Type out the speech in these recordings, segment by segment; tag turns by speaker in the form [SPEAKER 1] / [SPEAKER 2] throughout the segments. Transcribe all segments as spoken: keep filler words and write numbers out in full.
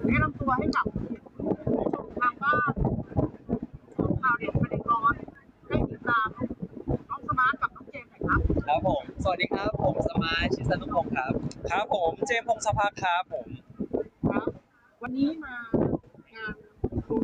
[SPEAKER 1] แนะนำตัวให้กับผู้ชมทางบ้านของข่าวเด็ดประเด็นร้อนได้ติดตามน้องสมาร์ทกับน้องเจมส์หน่อยครับ
[SPEAKER 2] ครับผมสวัสดีครับผมสมาร์ทชิสนุพงศ์ครับครับผมเจมส์พงศภาครับผม
[SPEAKER 1] ครับวันนี้มางานดู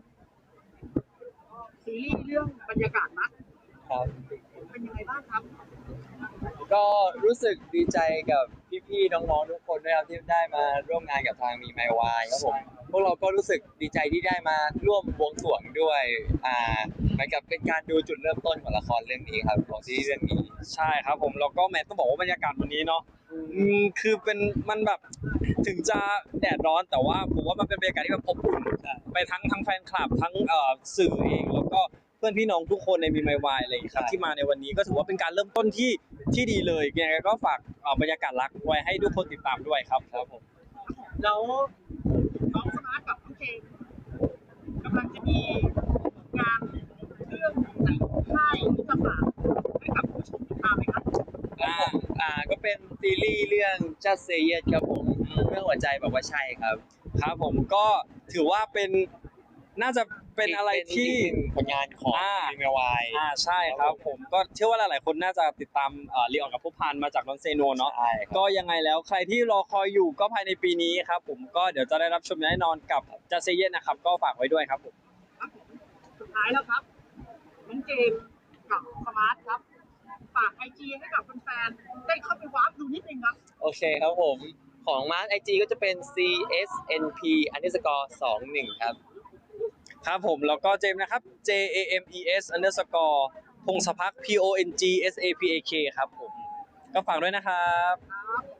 [SPEAKER 1] ซีรีส์เรื่องบรรยากาศนะครับเป็นยังไงบ้างครับ
[SPEAKER 2] ก็รู้สึกดีใจกับพี่ๆน้องๆทุกคนด้วยครับที่ได้มาร่วมงานกับทางมีไมวายครับผมพวกเราก็รู้สึกดีใจที่ได้มาร่วมบวงสรวงด้วยอ่าเหมือนกับเป็นการดูจุดเริ่มต้นของละครเรื่องนี้ครับของซีรีส์เรื่องนี้
[SPEAKER 3] ใช่ครับผมแล้วก็แม้ต้องบอกว่าบรรยากาศวันนี้เนาะอืมคือเป็นมันแบบถึงจะแดดร้อนแต่ว่าผมว่ามันเป็นบรรยากาศที่แบบอบอุ่นไปทั้งทั้งแฟนคลับทั้งเอ่อสื่อเองแล้วก็เพื่อนพี่น้องทุกคนในมีไมวายอะไรอย่างเงี้ยครับที่มาในวันนี้ก็ถือว่าเป็นการเริ่มต้นที่ที่ดีเลยยังไงก็ฝากเอ่อบรรยากาศรักไว้ให้ทุกคนติดตามด้วยครับครับผม
[SPEAKER 1] แล้วน้องสมาร์ทกับน้องเจมส์กำลังจะมีงานเรื่องหนังค่ายที่จะฝากให้กับผู้ชมติดตามไหมครับ
[SPEAKER 2] อ่าอ่าก็เป็นซีรีส์เรื่อง Just Say Yes ครับผมเรื่องหัวใจบอกว่าใช่ครับ
[SPEAKER 3] ครับผมก็ถือว่าเป็นน่าจะเป็นอะไรที่
[SPEAKER 2] ผลงานของมีไมวาย
[SPEAKER 3] อ่าใช่ครับผมก็เชื่อว่าหลายๆคนน่าจะติดตามเอ่อรีออกกับผู้พันมาจากนอนเซโนเนาะก็ยังไงแล้วใครที่รอคอยอยู่ก็ภายในปีนี้ครับผมก็เดี๋ยวจะได้รับชมแน่นอนกับจัสเซเยนนะครับก็ฝากไว้ด้วยครับผม
[SPEAKER 1] ครับผมสุดท้ายแล้วครับน้องเจมส์กับสมาร์ทครับฝากไอจีให้กับแฟนๆได้เข้าไปวาร์ปดูนิดนึงครับ
[SPEAKER 2] โอเคครับผมของมาร์คไอจีก็จะเป็น ซี เอส เอ็น พี underscore สองหนึ่งครับ
[SPEAKER 3] ครับผมแล้วก็เจมส์นะครับ J A M E S underscore พงศพัก P O N G S A P A K ครับผมก็ฝากด้วยนะครับ
[SPEAKER 1] ครับ